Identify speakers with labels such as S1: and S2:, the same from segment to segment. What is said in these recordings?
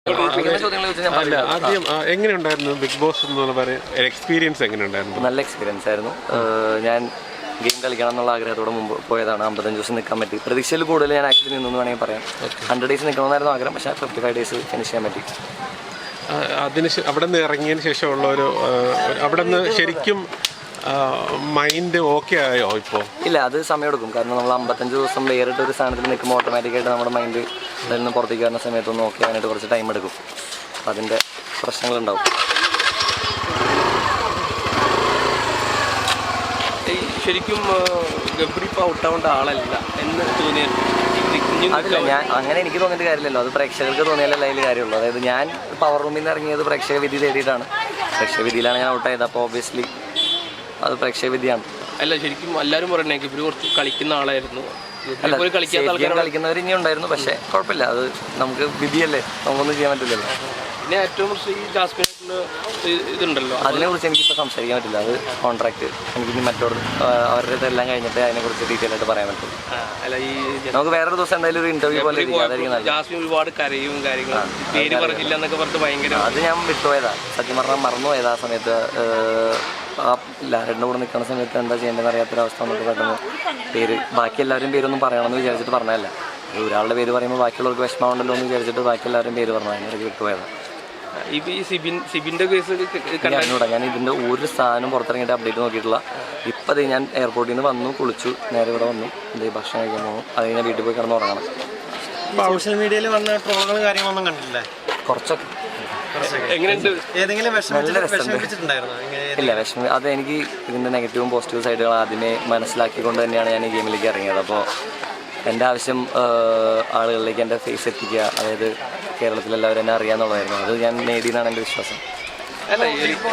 S1: അല്ല ആദ്യം എങ്ങനെയുണ്ടായിരുന്നു ബിഗ് ബോസ് എന്നുള്ള എക്സ്പീരിയൻസ് എങ്ങനെയുണ്ടായിരുന്നു?
S2: നല്ല എക്സ്പീരിയൻസ് ആയിരുന്നു. ഞാൻ ഗെയിം കളിക്കണം എന്നുള്ള ആഗ്രഹത്തോടെ മുമ്പ് പോയതാണ്. 55 ദിവസം നിൽക്കാൻ പറ്റി. പ്രതീക്ഷയിൽ കൂടുതൽ ഞാൻ ആക്ച്വലി നിന്നു വേണമെങ്കിൽ പറയാം. 100 days നിൽക്കണമെന്നായിരുന്നു ആഗ്രഹം, പക്ഷേ 55 days ഫിനിഷ് ചെയ്യാൻ പറ്റി.
S1: അവിടെ നിന്ന് ഇറങ്ങിയതിന് ശേഷമുള്ള അവിടെ നിന്ന് ശരിക്കും മൈൻഡ് ഓക്കെ ആയോ ഇപ്പോൾ?
S2: ഇല്ല, അത് സമയമെടുക്കും. കാരണം നമ്മൾ 55 ദിവസം വേറിട്ട് ഒരു സ്ഥാനത്തിൽ നിൽക്കുമ്പോൾ ഓട്ടോമാറ്റിക്കായിട്ട് നമ്മുടെ മൈൻഡ് അതിൽ നിന്ന് പുറത്തേക്ക് വരുന്ന സമയത്തൊന്നും ഓക്കെ ആകാനായിട്ട് കുറച്ച് ടൈം എടുക്കും. അതിൻ്റെ പ്രശ്നങ്ങളുണ്ടാവും.
S3: ശരിക്കും ഗബ്രി ഇപ്പോൾ ഔട്ടാവേണ്ട ആളല്ല എന്ന് തോന്നിയായിരുന്നു.
S2: അതില്ല, ഞാൻ അങ്ങനെ എനിക്ക് തോന്നിയിട്ട് കാര്യമില്ലല്ലോ. അത് പ്രേക്ഷകർക്ക് തോന്നിയാലല്ല അതിൽ കാര്യമുള്ളൂ. അതായത് ഞാൻ പവർ റൂമിൽ നിന്ന് ഇറങ്ങിയത് പ്രേക്ഷക വിധി തേടിയിട്ടാണ്. പ്രേക്ഷക വിധിയിലാണ് ഞാൻ ഔട്ടായത്. അപ്പോൾ ഓബിയസ്ലി അത് പ്രേക്ഷക വിധിയാണ്.
S3: അല്ല, ശരിക്കും എല്ലാവരും പറയണേ ഗബ്രി കുറച്ച് കളിക്കുന്ന ആളായിരുന്നു.
S2: കളിക്കുന്നവർ ഇനി ഉണ്ടായിരുന്നു, പക്ഷേ കുഴപ്പമില്ല. അത് നമുക്ക് വിധിയല്ലേ, നമുക്കൊന്നും ചെയ്യാൻ പറ്റില്ലല്ലോ.
S3: പിന്നെ ഏറ്റവും കുറച്ച് ഈ ജാസ്മിനായിട്ടുള്ള ഇതുണ്ടല്ലോ,
S2: അതിനെക്കുറിച്ച് എനിക്കിപ്പോൾ സംസാരിക്കാൻ പറ്റില്ല. അത് കോൺട്രാക്ട് എനിക്കിനി അവരുടെ ഇതെല്ലാം കഴിഞ്ഞിട്ട് അതിനെക്കുറിച്ച് ഡീറ്റെയിൽ ആയിട്ട് പറയാൻ പറ്റും.
S3: അല്ല, ഈ
S2: നമുക്ക് വേറൊരു ദിവസം എന്തായാലും ഒരു ഇന്റർവ്യൂ പോലെ
S3: ജാസ്മിൻ ഒരുപാട് കരയും കാര്യങ്ങളും പേര് പറഞ്ഞില്ല എന്നൊക്കെ പറഞ്ഞിട്ട് ഭയങ്കര
S2: അത് ഞാൻ വിട്ടുപോയതാ. സത്യം പറഞ്ഞാൽ മറന്നുപോയതാ. ആ സമയത്ത് ലാരൻ്റെ കൂടെ നിൽക്കുന്ന സമയത്ത് എന്താ ചെയ്യേണ്ടതെന്ന് അറിയാത്തൊരവസ്ഥ വന്നിട്ട് പെട്ടെന്ന് ബാക്കി എല്ലാവരും പേരൊന്നും പറയണമെന്ന് വിചാരിച്ചിട്ട് പറഞ്ഞതല്ല. ഒരാളുടെ പേര് പറയുമ്പോൾ ബാക്കിയുള്ളവർക്ക് വിഷമമുണ്ടല്ലോ എന്ന് വിചാരിച്ചിട്ട് ബാക്കി എല്ലാവരും പേര് പറഞ്ഞു. അതിനിടയ്ക്ക് വിട്ടുപോയതാണ്.
S3: ഈ സിബിൻ്റെ കേസ്
S2: കണ്ടൂടാ. ഞാൻ ഇതിൻ്റെ ഒരു സാധനം പുറത്തിറങ്ങിയിട്ട് അപ്ഡേറ്റ് നോക്കിയിട്ടില്ല. ഇപ്പം അത് ഞാൻ എയർപോർട്ടിൽ നിന്ന് വന്നു, കുളിച്ചു, നേരെ ഇവിടെ വന്നു, ഭക്ഷണം കഴിക്കാൻ പോകും. അത് കഴിഞ്ഞാൽ വീട്ടിൽ പോയി കിടന്ന് ഉറങ്ങണം.
S4: സോഷ്യൽ മീഡിയയിൽ വന്ന ട്രോളുകളും കാര്യങ്ങളൊന്നും കണ്ടില്ലേ?
S2: കുറച്ചൊക്കെ. ഇല്ല, വിഷമം അത് എനിക്ക് ഇതിൻ്റെ നെഗറ്റീവും പോസിറ്റീവ് സൈഡുകൾ ആദ്യമേ മനസ്സിലാക്കിക്കൊണ്ട് തന്നെയാണ് ഞാൻ ഈ ഗെയിമിലേക്ക് ഇറങ്ങിയത്. അപ്പോൾ എൻ്റെ ആവശ്യം ആളുകളിലേക്ക് എൻ്റെ ഫേസ് എത്തിക്കുക, അതായത് കേരളത്തിലെല്ലാവരും എന്നെ അറിയാമെന്നുള്ളതായിരുന്നു. അത് ഞാൻ നേടിയെന്നാണ് എൻ്റെ വിശ്വാസം.
S4: അല്ല,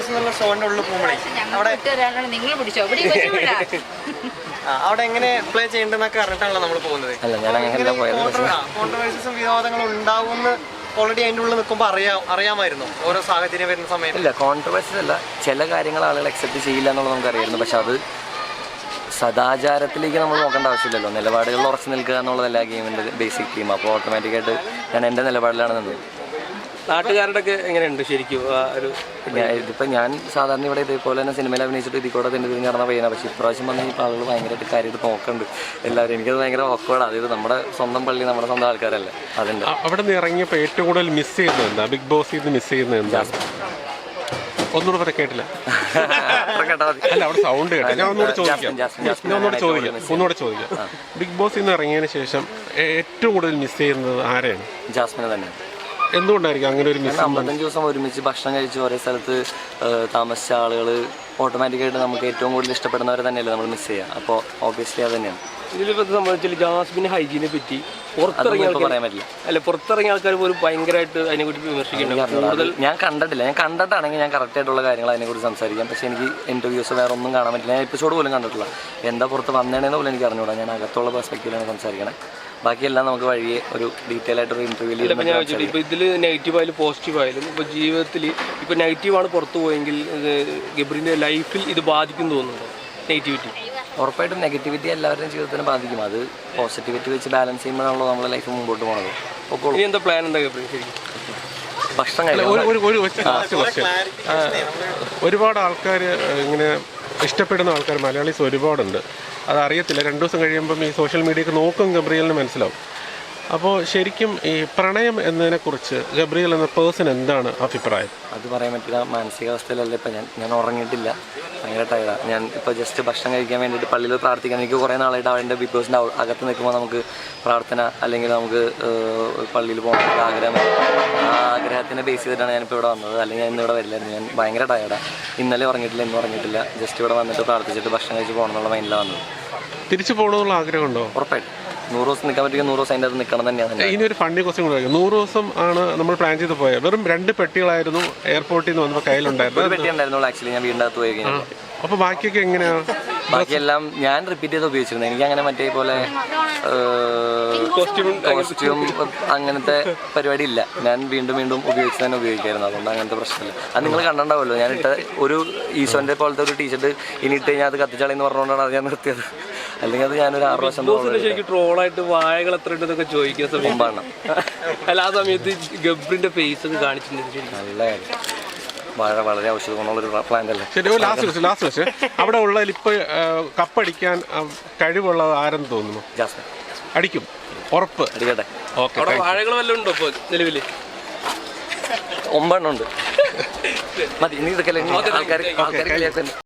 S4: അവിടെ എങ്ങനെ പ്ലേ ചെയ്യേണ്ടതെന്നൊക്കെ അറിഞ്ഞിട്ടാണല്ലോ നമ്മൾ പോകുന്നത്.
S2: അല്ല, ഞാൻ അങ്ങനെയല്ല പോയത്.
S4: കോൺട്രവേഴ്സീസും വിവാദങ്ങളും ഉണ്ടാവുമെന്ന് ഓൾറെഡി അതിൻ്റെ ഉള്ളിൽ നിൽക്കുമ്പോൾ അറിയാമായിരുന്നു ഓരോ സാഹചര്യം വരുന്ന സമയത്ത്?
S2: ഇല്ല, കോൺട്രവേഴ്സീസ് അല്ല. ചില കാര്യങ്ങൾ ആളുകൾ അക്സെപ്റ്റ് ചെയ്യില്ല എന്നുള്ളത് നമുക്കറിയായിരുന്നു. പക്ഷെ അത് സദാചാരത്തിലേക്ക് നമ്മൾ നോക്കേണ്ട ആവശ്യമില്ലല്ലോ. നിലപാടുകളിൽ ഉറച്ചു നിൽക്കുക എന്നുള്ളതല്ല ഗെയിമിൻ്റെ ബേസിക് തീം. അപ്പോൾ ഓട്ടോമാറ്റിക്കായിട്ട് ഞാൻ എൻ്റെ നിലപാടിലാണ് നിന്നത്.
S3: നാട്ടുകാരുടെ ഒക്കെ എങ്ങനെയുണ്ട് ശരിക്കും?
S2: ഇതിപ്പോൾ ഞാൻ സാധാരണ ഇവിടെ ഇതേപോലെ തന്നെ സിനിമയിൽ അഭിനയിച്ചിട്ട് ഇതിൽ കൂടെ തിരിഞ്ഞ് നടന്ന പയ്യനാണ്. പക്ഷേ ഇപ്രാവശ്യം വന്ന് ഈ ആളുകൾ ഭയങ്കരമായിട്ട് കാര്യമായിട്ട് നോക്കുന്നുണ്ട് എല്ലാവരും. എനിക്കത് ഭയങ്കര ഓക്വേർഡ്. അതായത് നമ്മുടെ സ്വന്തം പള്ളി, നമ്മുടെ സ്വന്തം ആൾക്കാരല്ലേ. അതിൻ്റെ
S1: അവിടെ നിന്ന് ഇറങ്ങിയപ്പോൾ ഏറ്റവും കൂടുതൽ മിസ് ചെയ്യുന്നത് എന്താ? ബിഗ് ബോസിൽ നിന്ന് മിസ് ചെയ്യുന്നത് എന്താ? ഒന്നുകൂടെ പറയാൻ കേട്ടില്ല. അല്ല, അവിടെ സൗണ്ട് കേട്ടോ. ഞാൻ ഒന്നുകൂടെ ചോദിക്കാം. ബിഗ് ബോസിൽ നിന്ന് ഇറങ്ങിയതിന് ശേഷം ഏറ്റവും കൂടുതൽ മിസ് ചെയ്യുന്നത് ആരെയാണ്?
S2: ജാസ്മിനെ തന്നെ.
S1: എന്തുകൊണ്ടായിരിക്കും അങ്ങനെ ഒരു മിസ്?
S2: 55 ദിവസം ഒരുമിച്ച് ഭക്ഷണം കഴിച്ച് ഒരേ സ്ഥലത്ത് താമസിച്ച ആളുകൾ ഓട്ടോമാറ്റിക്കായിട്ട് നമുക്ക് ഏറ്റവും കൂടുതൽ ഇഷ്ടപ്പെടുന്നവരെ തന്നെയല്ലേ നമ്മൾ മിസ് ചെയ്യുക. അപ്പോൾ ഓബിയസ്ലി അത് തന്നെയാണ്.
S3: ഇതിലിപ്പോൾ സംബന്ധിച്ചാൽ ജാസ്മിന് ഹൈജീനെ പറ്റി
S2: പറയാൻ പറ്റില്ല.
S3: അല്ല, പുറത്തിറങ്ങിയ ആൾക്കാർ പോലും ഭയങ്കരമായിട്ട് അതിനെക്കുറിച്ച് വിമർശിക്കുന്നുണ്ട്.
S2: ഞാൻ കണ്ടിട്ടില്ല. ഞാൻ കണ്ടിട്ടാണെങ്കിൽ ഞാൻ കറക്റ്റായിട്ടുള്ള കാര്യങ്ങൾ അതിനെക്കുറിച്ച് സംസാരിക്കാം. പക്ഷേ എനിക്ക് ഇൻ്റർവ്യൂസ് വേറെ ഒന്നും കാണാൻ പറ്റില്ല. ഞാൻ എപ്പിസോഡ് പോലും കണ്ടിട്ടില്ല. എന്താ പുറത്ത് വന്നേണെന്ന് പോലും എനിക്ക് അറിഞ്ഞുകൂടാ. ഞാൻ അകത്തുള്ള പെർസ്പെക്റ്റീവിലാണ് സംസാരിക്കണം. ബാക്കിയെല്ലാം നമുക്ക് വഴിയെ ഒരു ഡീറ്റെയിൽ ആയിട്ടൊരു ഇൻ്റർവ്യൂവിൽ
S3: ഇപ്പോൾ ഇതിൽ നെഗറ്റീവായാലും പോസിറ്റീവായാലും ഇപ്പോൾ ജീവിതത്തിൽ ഇപ്പോൾ നെഗറ്റീവാണ് പുറത്തു പോയെങ്കിൽ ഗബ്രിൻ്റെ ലൈഫിൽ ഇത് ബാധിക്കും തോന്നുന്നുണ്ടോ? നെഗറ്റിവിറ്റി
S2: ഉറപ്പായിട്ടും നെഗറ്റിവിറ്റി എല്ലാവരുടെയും ജീവിതത്തിനെ ബാധിക്കും. അത് പോസിറ്റിവിറ്റി വെച്ച് ബാലൻസ് ചെയ്യുമ്പോഴാണല്ലോ നമ്മുടെ ലൈഫ് മുമ്പോട്ട് പോകുന്നത്.
S3: ഇനി എന്താ പ്ലാൻ എന്താ ഗബ്രി ശരിക്കും?
S2: ഭക്ഷണം കഴിക്കും.
S1: ഒരുപാട് ആൾക്കാർ ഇങ്ങനെ ഇഷ്ടപ്പെടുന്ന ആൾക്കാർ മലയാളീസ് ഒരുപാടുണ്ട്. അതറിയത്തില്ല. 2 ദിവസം കഴിയുമ്പം ഈ സോഷ്യൽ മീഡിയക്ക് നോക്കും ഗബ്രിയലിന് മനസ്സിലാവും. അപ്പോൾ ശരിക്കും ഈ പ്രണയം എന്നതിനെക്കുറിച്ച് ഗബ്രിയൽ എന്ന പേഴ്സൺ എന്താണ് അഭിപ്രായം?
S2: അത് പറയാൻ പറ്റില്ല. മാനസികാവസ്ഥയിലല്ല ഇപ്പം ഞാൻ ഉറങ്ങിയിട്ടില്ല. ഭയങ്കര ടയർഡാണ്. ഞാൻ ഇപ്പോൾ ജസ്റ്റ് ഭക്ഷണം കഴിക്കാൻ വേണ്ടിയിട്ട് പള്ളിയിൽ പ്രാർത്ഥിക്കാൻ എനിക്ക് കുറേ നാളായിട്ട് അവൻ്റെ ബിഗ് ബോസിൻ്റെ അകത്ത് നിൽക്കുമ്പോൾ നമുക്ക് പ്രാർത്ഥന അല്ലെങ്കിൽ നമുക്ക് പള്ളിയിൽ പോകാൻ ആഗ്രഹം. ആ ആഗ്രഹത്തിനെ ബേസ് ചെയ്തിട്ടാണ് ഞാനിപ്പോൾ ഇവിടെ വന്നത്. അല്ലെങ്കിൽ ഞാൻ ഇന്നിവിടെ വരില്ലായിരുന്നു. ഞാൻ ഭയങ്കര ടയർഡാണ്. ഇന്നലെ ഉറങ്ങിയിട്ടില്ല, ഇന്നും ഉറങ്ങിയിട്ടില്ല. ജസ്റ്റ് ഇവിടെ വന്നിട്ട് പ്രാർത്ഥിച്ചിട്ട് ഭക്ഷണം കഴിച്ച് പോകണം എന്നുള്ള മൈൻഡിലാണ് വന്നത്.
S1: തിരിച്ചു പോകണമെന്നുള്ള ആഗ്രഹമുണ്ടോ?
S2: ഉറപ്പായിട്ടും 100 ദിവസം നിൽക്കാൻ പറ്റുമെങ്കിൽ 100 ദിവസം അതിൻ്റെ അത് നിൽക്കണം തന്നെയാണ്.
S1: ഇനി ഒരു ഫണ്ടി ക്വസ്റ്റ്യൻ കൂടെ. 100 ദിവസം ആണ് നമ്മൾ പ്ലാൻ ചെയ്ത് പോയത്. വെറും 2 പെട്ടികളായിരുന്നു എയർപോർട്ടിൽ നിന്ന് വന്നപ്പോൾ കയ്യിലുണ്ടായിരുന്നു.
S2: ഒരു പെട്ടി ഉണ്ടായിരുന്നുള്ളൂ ആക്ച്വലി. ഞാൻ വീടിൻ്റെ അകത്ത് പോയി കഴിഞ്ഞാൽ
S1: അപ്പോൾ ബാക്കിയൊക്കെ എങ്ങനെയാണ്?
S2: ബാക്കിയെല്ലാം ഞാൻ റിപ്പീറ്റ് ചെയ്ത് ഉപയോഗിച്ചിരുന്നത്. എനിക്ക് അങ്ങനെ മറ്റേ പോലെ കോസ്റ്റ്യൂം അങ്ങനത്തെ പരിപാടി ഇല്ല. ഞാൻ വീണ്ടും ഉപയോഗിച്ച് തന്നെ ഉപയോഗിക്കായിരുന്നു. അതുകൊണ്ട് അങ്ങനത്തെ പ്രശ്നമില്ല. അത് നിങ്ങൾ കണ്ടിട്ടുണ്ടാവുമല്ലോ. ഞാനിട്ട ഒരു ഈശോൻ്റെ പോലത്തെ ഒരു ടീഷർട്ട് ഇനി ഇട്ട് കഴിഞ്ഞാൽ അത് കത്തിച്ചാളിന്ന് പറഞ്ഞുകൊണ്ടാണ് അത് ഞാൻ നിർത്തിയത്. അല്ലെങ്കിൽ അത് ഞാനൊരു 6 വർഷം
S3: ശരിക്കും ട്രോളായിട്ട് വാഴകൾ എത്ര ഉണ്ടെന്നൊക്കെ ചോദിക്കുന്ന സമയം
S2: മുമ്പാണ്.
S3: അല്ല ആ സമയത്ത് ഗബ്രിന്റെ ഫേസ് ഒക്കെ കാണിച്ചിട്ടുണ്ട് ശരിക്കും.
S2: നല്ല കാര്യം. വാഴ വളരെ ഔഷധ ഗുണമുള്ളൊരു പ്ലാന്റ് അല്ലേ.
S1: ശരി, ലാസ്റ്റ് വെച്ച് അവിടെ ഉള്ളതിൽ ഇപ്പോൾ കപ്പടിക്കാൻ കഴിവുള്ള ആരെന്ന് തോന്നുന്നു?
S2: ജാസ്മിൻ
S1: അടിക്കും, ഉറപ്പ്.
S2: അടിക്കട്ടെ.
S1: ഓക്കെ,
S3: അവിടെ വാഴകൾ വല്ലതും ഉണ്ടോ ഇപ്പോൾ നിലവിൽ?
S2: 9 ഉണ്ട്. മതി, ഇനി ഇതൊക്കെ ആൾക്കാർ